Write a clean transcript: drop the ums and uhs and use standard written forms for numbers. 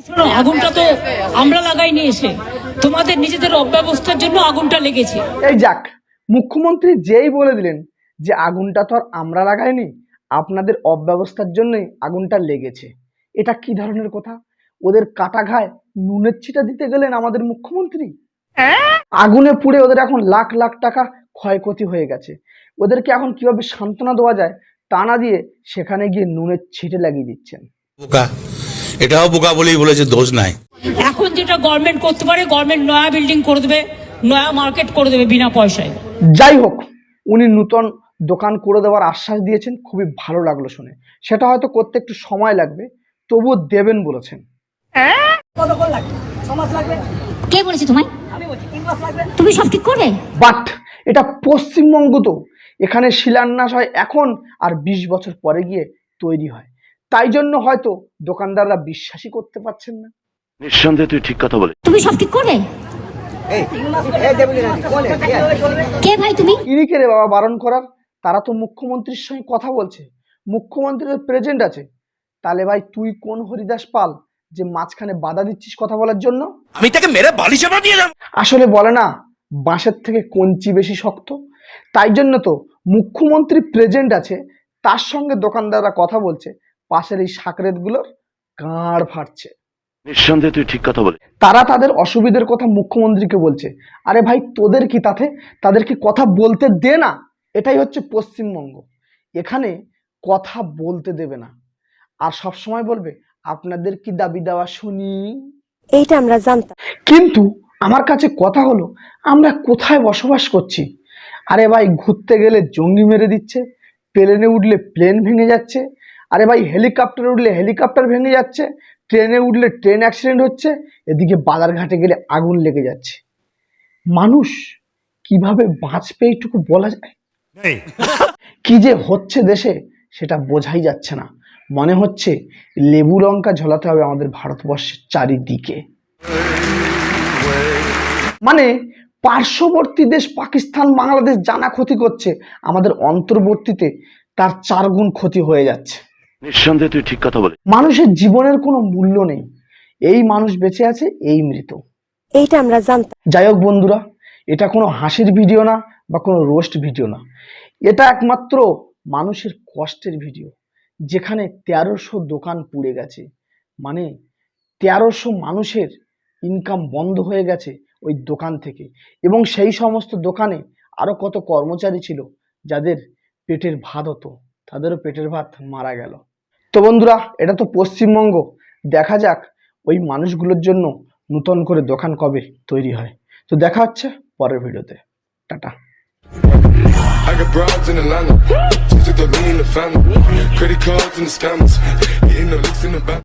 শোনো, আগুনটা তো আমরা লাগাইনি, এসে তোমাদের নিজেদের অব্যবস্থার জন্য আগুনটা লেগেছে। এই যাক, মুখ্যমন্ত্রী যেই বলে দিলেন যে আগুনটা তো আর আমরা লাগাইনি, আপনাদের অব্যবস্থার জন্যই আগুনটা লেগেছে, এটা কি ধরনের কথা? ওদের কাটা ঘায়ে নুনের ছিটা দিতে গেলেন আমাদের মুখ্যমন্ত্রী। আগুনে পুড়ে ওদের এখন লাখ লাখ টাকা ক্ষয়ক্ষতি হয়ে গেছে, ওদেরকে এখন কিভাবে সান্ত্বনা দেওয়া যায় তা না দিয়ে সেখানে গিয়ে নুনের ছিটে লাগিয়ে দিচ্ছেন। বোকা, এটাও বোকা বলেই বলেছে, দোষ নাই। এখন যেটা গভর্নমেন্ট করতে পারে, গভর্নমেন্ট নয়া বিল্ডিং করে দেবে, নয়া মার্কেট করে দেবে বিনা পয়সায়। যাই হোক, উনি নূতন দোকান করে দেওয়ার আশ্বাস দিয়েছেন, খুবই ভালো লাগলো শুনে। সেটা হয়তো করতে একটু সময় লাগবে, তবুও দেবেন বলেছেন। কে বলেছে তোমায়? তুমি সব ঠিক করবে? বাট এটা পশ্চিমবঙ্গ, তো এখানে শিলান্যাস হয় এখন আর 20 বছর পরে গিয়ে তৈরি হয়, তাই জন্য হয়তো দোকানদাররা বিশ্বাসই করতে পারছেন না। নিঃসন্দেহে তুই ঠিক কথা বলে। তুমি সব ঠিক করবে? কে ভাই তুমি? ইনি কে রে বাবা বারণ করার? তারা তো মুখ্যমন্ত্রীর সঙ্গে কথা বলছে, মুখ্যমন্ত্রীর প্রেজেন্ট আছে। তাহলে ভাই তুই কোন হরিদাস পাল যে মাঝখানে বাধা দিচ্ছিস কথা বলার জন্য? আমি তাকে মেরে বালি চাপা দিয়ে যাব। আসলে বলে না, বাঁশের থেকে কঞ্চি বেশি শক্ত। তাই জন্য তো মুখ্যমন্ত্রী প্রেজেন্ট আছে, তার সঙ্গে দোকানদাররা কথা বলছে, পাশের এই সাকরেতগুলোর গাঁড় ফাটছে। নিঃসন্দেহে তুই ঠিক কথা বলে। তারা তাদের অসুবিধার কথা মুখ্যমন্ত্রীকে বলছে। আরে ভাই তোদের কি তাতে? তাদেরকে কথা বলতে দে না। এটাই হচ্ছে পশ্চিমবঙ্গ, এখানে কথা বলতে দেবে না, আর সব সময় বলবে আপনাদের কি দাবি দেওয়া শুনি। এইটা আমরা জানতাম, কিন্তু আমার কাছে কথা হলো, আমরা কোথায় বসবাস করছি? আরে ভাই ঘুরতে গেলে জঙ্গি মেরে দিচ্ছে, প্লেনে উঠলে প্লেন ভেঙে যাচ্ছে, আরে ভাই হেলিকপ্টারে উঠলে হেলিকপ্টার ভেঙে যাচ্ছে, ট্রেনে উঠলে ট্রেন অ্যাক্সিডেন্ট হচ্ছে, এদিকে বাজারঘাটে গেলে আগুন লেগে যাচ্ছে। মানুষ কিভাবে বাঁচবে এইটুকু বলা যায়? কি যে হচ্ছে দেশে সেটা বোঝাই যাচ্ছে না। মনে হচ্ছে লেবু লঙ্কা ঝোলাতে হবে আমাদের ভারতবর্ষের চারিদিকে। মানে পার্শ্ববর্তী দেশ পাকিস্তান বাংলাদেশ জানা ক্ষতি করছে, আমাদের অন্তর্বর্তীতে তার 4 গুণ ক্ষতি হয়ে যাচ্ছে। নিঃসন্দেহে তুই ঠিক কথা বলে। মানুষের জীবনের কোনো মূল্য নেই, এই মানুষ বেঁচে আছে, এই মৃত। এইটা আমরা জানতাম। যাই হোক বন্ধুরা, এটা কোনো হাসির ভিডিও না বা কোনো রোস্ট ভিডিও না, এটা একমাত্র মানুষের কষ্টের ভিডিও, যেখানে 1300 দোকান পুড়ে গেছে। মানে 1300 মানুষের ইনকাম বন্ধ হয়ে গেছে ওই দোকান থেকে, এবং সেই সমস্ত দোকানে আরো কত কর্মচারী ছিল যাদের পেটের ভাত হতো, তাদেরও পেটের ভাত মারা গেল। তো বন্ধুরা, এটা তো পশ্চিমবঙ্গ, দেখা যাক ওই মানুষগুলোর জন্য নতুন করে দোকান কবে তৈরি হয়। তো দেখা হচ্ছে পরের ভিডিওতে, tata. I got broads in Atlanta, just took the lean in the family, credit cards and the scammers, hitting the licks in the back.